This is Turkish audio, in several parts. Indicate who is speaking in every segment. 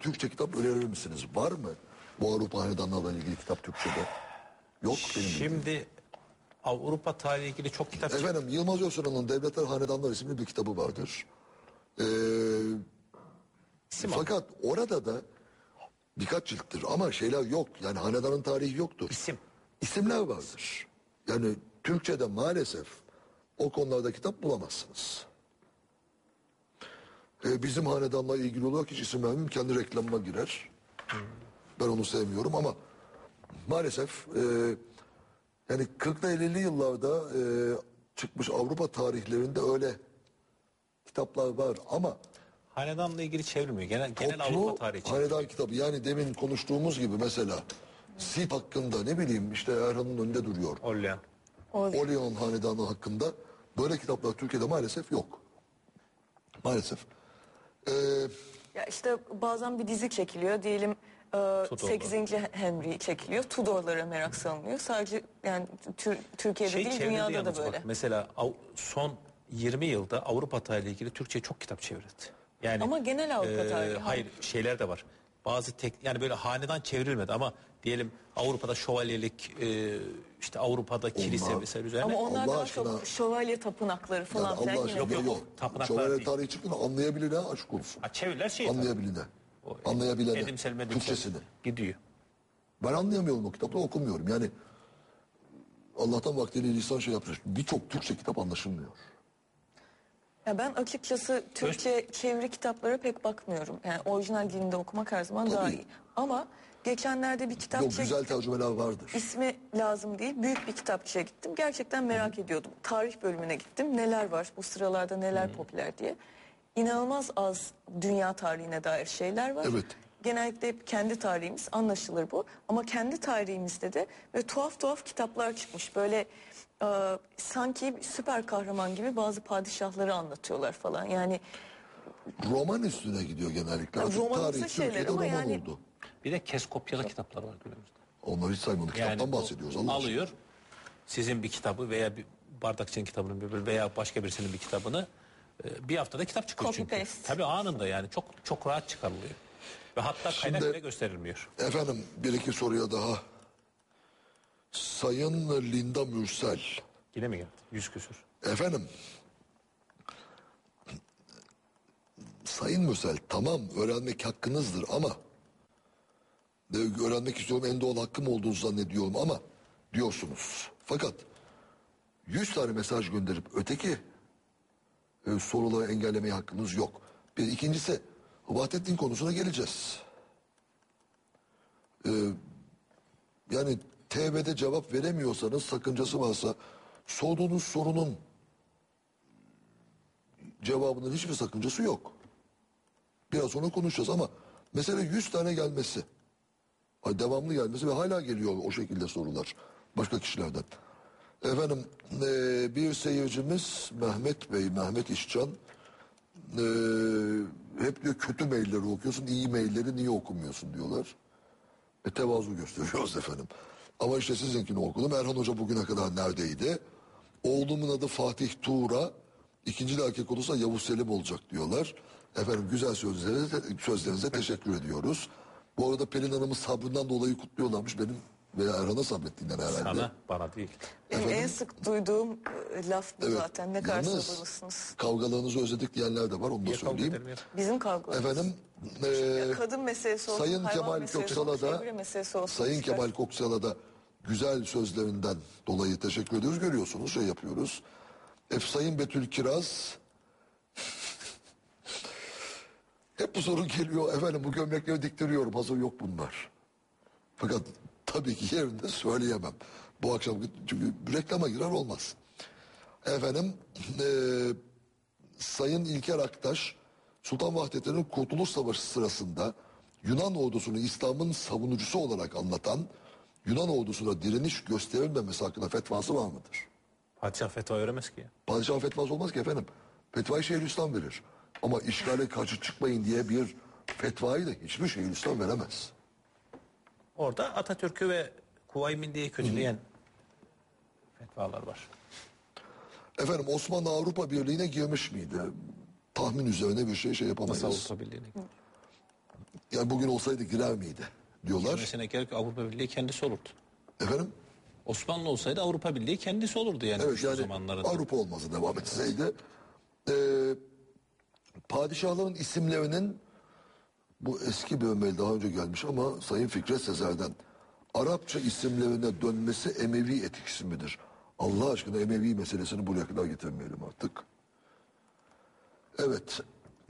Speaker 1: Türkçe kitap önerir misiniz? Var mı bu Avrupa hanedanlarla ilgili kitap Türkçe'de? Yok benim bildiğim.
Speaker 2: Şimdi Avrupa tarihi ilgili çok kitap çıktı.
Speaker 1: Efendim Yılmaz Özsoy'un Devletler Hanedanlar isimli bir kitabı vardır. Fakat orada da birkaç cilttir ama şeyler yok. Yani hanedanın tarihi yoktur. İsimler vardır. Yani Türkçe'de maalesef o konularda kitap bulamazsınız. Bizim hanedanla ilgili olarak hiç isim vermeyeyim. Kendi reklamıma girer. Ben onu sevmiyorum ama maalesef yani 40'lı 50'li yıllarda çıkmış Avrupa tarihlerinde öyle kitaplar var ama
Speaker 2: Hanedanla ilgili çevrilmiyor. Genel Avrupa tarihi için.
Speaker 1: hanedan kitabı yani demin konuştuğumuz gibi mesela Sip hakkında ne bileyim işte Erhan'ın önünde duruyor. Orlean hanedanı hakkında böyle kitaplar Türkiye'de maalesef yok. Maalesef.
Speaker 3: Ya işte bazen bir dizi çekiliyor diyelim 8. Henry çekiliyor. Tudorlara merak salınıyor. Sadece yani Türkiye'de değil dünyada da böyle.
Speaker 2: Bak, mesela son 20 yılda Avrupa tarihiyle ilgili Türkçe'ye çok kitap çevrildi. Yani
Speaker 3: ama genel Avrupa tarihi.
Speaker 2: Hayır şeyler de var. Bazı yani böyle hanedan çevrilmedi ama diyelim Avrupa'da şövalyelik işte Avrupa'da kilise vesaire üzerine.
Speaker 3: Ama onlar daha çok şövalye tapınakları falan
Speaker 1: yani Allah aşkına
Speaker 2: yok. Tapınaklar
Speaker 1: şövalye
Speaker 2: değil.
Speaker 1: tarihi çıktığında anlayabilene aşk olsun.
Speaker 2: Çeviriler
Speaker 1: Anlayabilene. Türkçesini.
Speaker 2: Gidiyor.
Speaker 1: Ben anlayamıyorum o kitapları okumuyorum. Yani Allah'tan vaktiyle lisan şey yapmış. Birçok Türkçe kitap anlaşılmıyor.
Speaker 3: Ya ben açıkçası Türkçe çeviri kitaplara pek bakmıyorum. Yani orijinal dilinde okumak her zaman daha iyi. Ama geçenlerde bir kitap
Speaker 1: güzel tercümeler vardır.
Speaker 3: İsmi lazım değil. Büyük bir kitapçıya gittim. Gerçekten merak ediyordum. Tarih bölümüne gittim. Neler var bu sıralarda neler popüler diye. İnanılmaz az dünya tarihine dair şeyler var.
Speaker 1: Evet.
Speaker 3: Genellikle hep kendi tarihimiz anlaşılır bu. Ama kendi tarihimizde de böyle tuhaf tuhaf kitaplar çıkmış. Böyle sanki süper kahraman gibi bazı padişahları anlatıyorlar falan. Yani
Speaker 1: roman üstüne gidiyor genellikle.
Speaker 3: Romanımsı şeyler ama yani
Speaker 1: oldu.
Speaker 2: Bir de kopyalı kitaplar var günümüzde.
Speaker 1: Onları hiç saymadık.
Speaker 2: Yani
Speaker 1: kitaptan bahsediyoruz.
Speaker 2: Alıyor sizin bir kitabı veya bir Bardakçı'nın kitabını veya başka birisinin bir kitabını bir haftada kitap çıkıyor
Speaker 3: copy
Speaker 2: çünkü.
Speaker 3: paste.
Speaker 2: Tabii anında yani çok rahat çıkarılıyor. Ve hatta kaynak bile gösterilmiyor.
Speaker 1: Efendim bir iki soruya daha. Sayın Linda Mürsel.
Speaker 2: Yine mi geldi? 100 küsür.
Speaker 1: Efendim. Sayın Mürsel tamam öğrenmek hakkınızdır ama öğrenmek istiyorum en doğal hakkım olduğunu zannediyorum ama diyorsunuz. Fakat 100 tane mesaj gönderip öteki soruları engellemeye hakkınız yok. Bir ikincisi Vahdettin konusuna geleceğiz. Yani TV'de cevap veremiyorsanız sakıncası varsa sorduğunuz sorunun cevabının hiçbir sakıncası yok. Biraz sonra konuşacağız ama mesele 100 tane gelmesi. Devamlı gelmesi ve hala geliyor o şekilde sorular başka kişilerden. Efendim bir seyircimiz Mehmet Bey, Mehmet İşcan hep diyor kötü mailleri okuyorsun, iyi mailleri niye okumuyorsun diyorlar. Tevazu gösteriyoruz efendim. Ama işte sizinkini okudum. Erhan Hoca bugüne kadar neredeydi? Oğlumun adı Fatih Tuğra. İkinci de erkek olursa Yavuz Selim olacak diyorlar. Efendim güzel sözlerinize teşekkür ediyoruz. Bu arada Pelin Hanım'ın sabrından dolayı kutluyorlarmış. Benim veya Erhan'a sabrettiğinden herhalde.
Speaker 2: Sana, bana değil.
Speaker 3: Benim en sık duyduğum laf bu zaten. Ne kadar sabırlısınız.
Speaker 1: Kavgalarınızı özledik diyenler de var. Onu da söyleyeyim.
Speaker 3: Bizim kavgalarımız.
Speaker 1: Efendim
Speaker 3: kadın meselesi olsun,
Speaker 1: Sayın
Speaker 3: hayvan
Speaker 1: Kemal
Speaker 3: meselesi
Speaker 1: Köksal'a
Speaker 3: olsun,
Speaker 1: da
Speaker 3: çevre meselesi olsun.
Speaker 1: Sayın Kemal Köksal'a da güzel sözlerinden dolayı teşekkür ediyoruz. Görüyorsunuz şey yapıyoruz. Sayın Betül Kiraz hep bu soru geliyor. Efendim bu gömlekleri diktiriyorum. Hazır yok bunlar. Fakat tabii ki yerinde söyleyemem. Bu akşam çünkü reklama girer olmaz. Efendim Sayın İlker Aktaş Sultan Vahdettin'in Kurtuluş Savaşı sırasında Yunan ordusunu İslam'ın savunucusu olarak anlatan Yunan ordusuna direniş gösterilmemesi hakkında fetvası var mıdır?
Speaker 2: Padişah fetva veremez ki ya.
Speaker 1: Padişah fetvası olmaz ki efendim. Fetvayı Şeyhülislam verir. Ama işgale karşı çıkmayın diye bir fetvayı da hiçbir Şeyhülislam veremez.
Speaker 2: Orada Atatürk'ü ve Kuvayi Milliye'yi kötüleyen fetvalar var.
Speaker 1: Efendim Osmanlı Avrupa Birliği'ne girmiş miydi? Tahmin üzerine bir şey yapamayız.
Speaker 2: Nasıl Avrupa Birliği'ne?
Speaker 1: Yani bugün olsaydı girer miydi diyorlar.
Speaker 2: Girmesine gerek yok, Avrupa Birliği kendisi olurdu.
Speaker 1: Efendim?
Speaker 2: Osmanlı olsaydı Avrupa Birliği kendisi olurdu yani.
Speaker 1: Evet
Speaker 2: güçlü
Speaker 1: yani
Speaker 2: zamanlarında.
Speaker 1: Avrupa olmasa devam etseydi. Padişahların isimlerinin bu eski bir mail daha önce gelmiş ama Sayın Fikret Sezer'den Arapça isimlerine dönmesi Emevi etkisi midir? Allah aşkına Emevi meselesini buraya kadar getirmeyelim artık. Evet.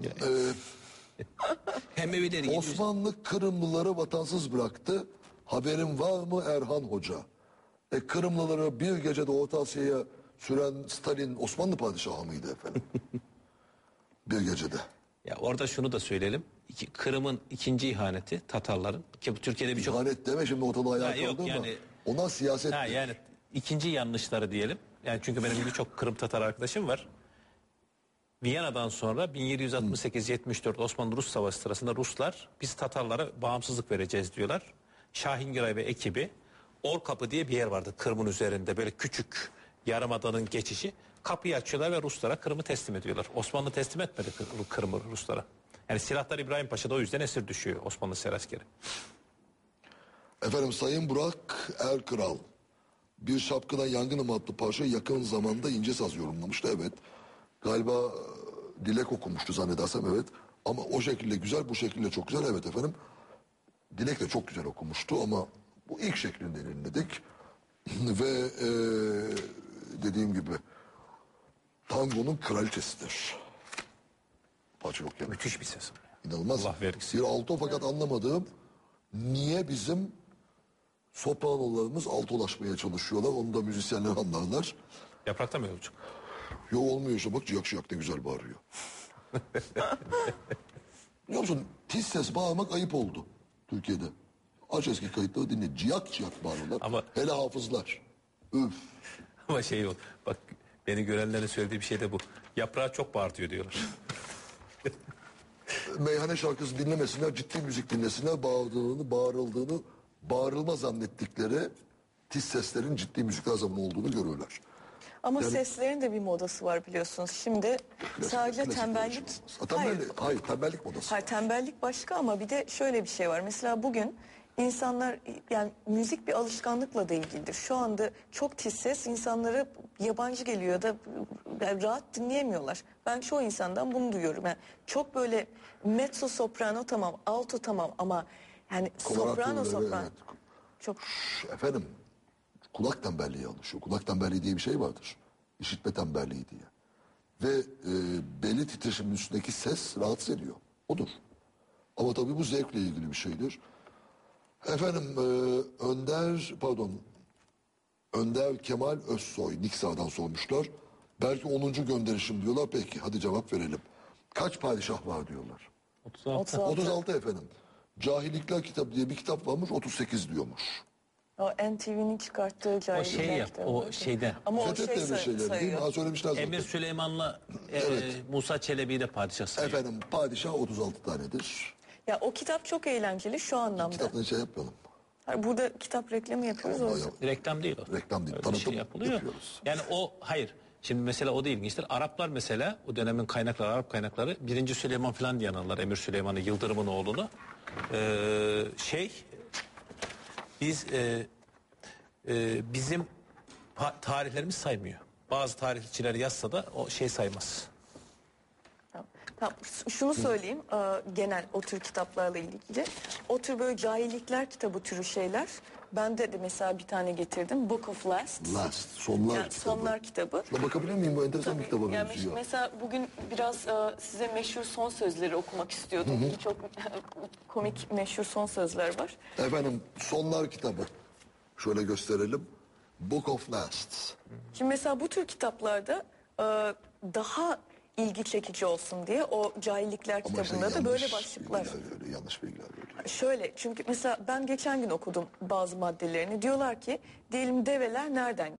Speaker 2: Emevileri
Speaker 1: Osmanlı Kırımlıları vatansız bıraktı. Haberin var mı Erhan Hoca? Kırımlıları bir gecede Orta Asya'ya süren Stalin Osmanlı padişahı mıydı efendim? Bir gecede.
Speaker 2: Ya orada şunu da söyleyelim. Kırım'ın ikinci ihaneti Tatarların ki bu Türkiye'de birçok
Speaker 1: İhanet deme şimdi ortalığı ayağa
Speaker 2: Ha, yok
Speaker 1: kaldı ama
Speaker 2: yani-
Speaker 1: onlar siyaset.
Speaker 2: yani ikinci yanlışları diyelim. Yani çünkü benim birçok Kırım Tatar arkadaşım var. Viyana'dan sonra 1768-74 Osmanlı-Rus Savaşı sırasında Ruslar biz Tatarlara bağımsızlık vereceğiz diyorlar. Şahingiray ve ekibi Orkapı diye bir yer vardı Kırım'ın üzerinde böyle küçük yarımadanın geçişi. Kapıyı açıyorlar ve Ruslara Kırım'ı teslim ediyorlar. Osmanlı teslim etmedi Kırım'ı Ruslara. Yani silahlar İbrahim Paşa'da o yüzden esir düşüyor Osmanlı seraskeri.
Speaker 1: Efendim Sayın Burak Erkral bir şapkına yangınım adlı parça yakın zamanda İnce Saz yorumlamıştı. Evet. Galiba Dilek okumuştu zannedersem evet. Ama o şekilde güzel bu şekilde çok güzel evet efendim. Dilek de çok güzel okumuştu ama bu ilk şeklinden dinledik. Ve dediğim gibi tangonun kraliçesidir. Parça yok yani.
Speaker 2: Müthiş bir ses.
Speaker 1: İnanılmaz.
Speaker 2: Allah vergisi.
Speaker 1: Bir alto fakat anlamadığım niye bizim sopranolarımız altolaşmaya çalışıyorlar. Onu da müzisyenler anlarlar.
Speaker 2: Yaprakta mı yolcuk?
Speaker 1: Yo olmuyor işte bak ciyak ciyak ne güzel bağırıyor. Biliyor musun tiz ses bağırmak ayıp oldu Türkiye'de. Aç eski kayıtları dinle ciyak ciyak bağırıyorlar.
Speaker 2: Ama-
Speaker 1: Hele hafızlar. Üf.
Speaker 2: Ama şey o. Bak beni görenlerin söylediği bir şey de bu. Yaprağı çok bağırtıyor diyorlar.
Speaker 1: Meyhane şarkısı dinlemesinler, ciddi müzik dinlesinler, bağırıldığını, bağırılma zannettikleri tiz seslerin ciddi müzikler zamanı olduğunu görürler.
Speaker 3: Ama seslerin de bir modası var biliyorsunuz. Şimdi sadece
Speaker 1: Klasik
Speaker 3: tembellik...
Speaker 1: konuşmamız. Hayır, tembellik modası.
Speaker 3: Hayır, tembellik başka ama bir de şöyle bir şey var. Mesela bugün insanlar yani müzik bir alışkanlıkla da ilgilidir. Şu anda çok tiz ses insanlara yabancı geliyor da yani rahat dinleyemiyorlar. Ben çoğu insandan bunu duyuyorum. Yani çok böyle mezzo soprano tamam, alto tamam ama yani soprano
Speaker 1: Koloratura,
Speaker 3: soprano
Speaker 1: evet.
Speaker 3: çok
Speaker 1: Efendim, kulak tembelliği alışıyor. Kulak tembelliği diye bir şey vardır. İşitme tembelliği diye. Ve belli titreşimin üstündeki ses rahatsız ediyor. Odur. Ama tabii bu zevkle ilgili bir şeydir. Efendim Önder Kemal Özsoy Niksa'dan sormuşlar. Belki 10. gönderişim diyorlar. Peki hadi cevap verelim. Kaç padişah var diyorlar.
Speaker 2: 36.
Speaker 1: 36 efendim. Cahillikler kitabı diye bir kitap varmış 38 diyormuş.
Speaker 3: o NTV'nin çıkarttığı
Speaker 2: O
Speaker 3: cahillikler
Speaker 2: şey yap,
Speaker 3: kitabı.
Speaker 2: o şeyden.
Speaker 3: Ama o
Speaker 1: Fethet
Speaker 3: şey
Speaker 1: devri şeyleri değil mi?
Speaker 3: sayıyor.
Speaker 1: Ha söylemişler zaten.
Speaker 2: Emir Süleyman'la Musa Çelebi'yi de padişah sayıyor.
Speaker 1: Efendim padişah 36 tanedir.
Speaker 3: Ya o kitap çok eğlenceli şu anlamda.
Speaker 1: Kitaptan şey yapmayalım.
Speaker 3: Hayır, burada kitap reklamı yapıyoruz o
Speaker 1: Vallahi
Speaker 3: yüzden.
Speaker 1: yap-
Speaker 2: Reklam değil o.
Speaker 1: Reklam değil,
Speaker 2: Öyle bir
Speaker 1: tanıtım
Speaker 2: şey yapılıyor.
Speaker 1: yapıyoruz.
Speaker 2: Yani o hayır. Şimdi mesela o da ilginçtir. Araplar mesela o dönemin kaynakları, Arap kaynakları 1. Süleyman falan diye anarlar. Emir Süleyman'ı, Yıldırım'ın oğlunu. Biz bizim tarihlerimiz saymıyor. Bazı tarihçiler yazsa da o şey saymaz.
Speaker 3: Tamam, şunu söyleyeyim genel o tür kitaplarla ilgili. O tür böyle cahillikler kitabı türü şeyler. Ben de mesela bir tane getirdim. Book of Last.
Speaker 1: Last, sonlar
Speaker 3: Yani
Speaker 1: kitabı.
Speaker 3: sonlar kitabı.
Speaker 1: Şuna bakabilir miyim? Bu enteresan bir kitaba
Speaker 3: Yani
Speaker 1: benziyor.
Speaker 3: mesela bugün biraz size meşhur son sözleri okumak istiyordum. Çok komik meşhur son sözler var.
Speaker 1: Efendim sonlar kitabı. Şöyle gösterelim. Book of Last.
Speaker 3: Şimdi mesela bu tür kitaplarda daha ilgi çekici olsun diye o cahillikler
Speaker 1: Ama
Speaker 3: kitabında
Speaker 1: işte
Speaker 3: da böyle
Speaker 1: yanlış
Speaker 3: başlıklar.
Speaker 1: bilgiler veriyor, yanlış bilgiler veriyor.
Speaker 3: Şöyle çünkü mesela ben geçen gün okudum bazı maddelerini. Diyorlar ki diyelim develer nereden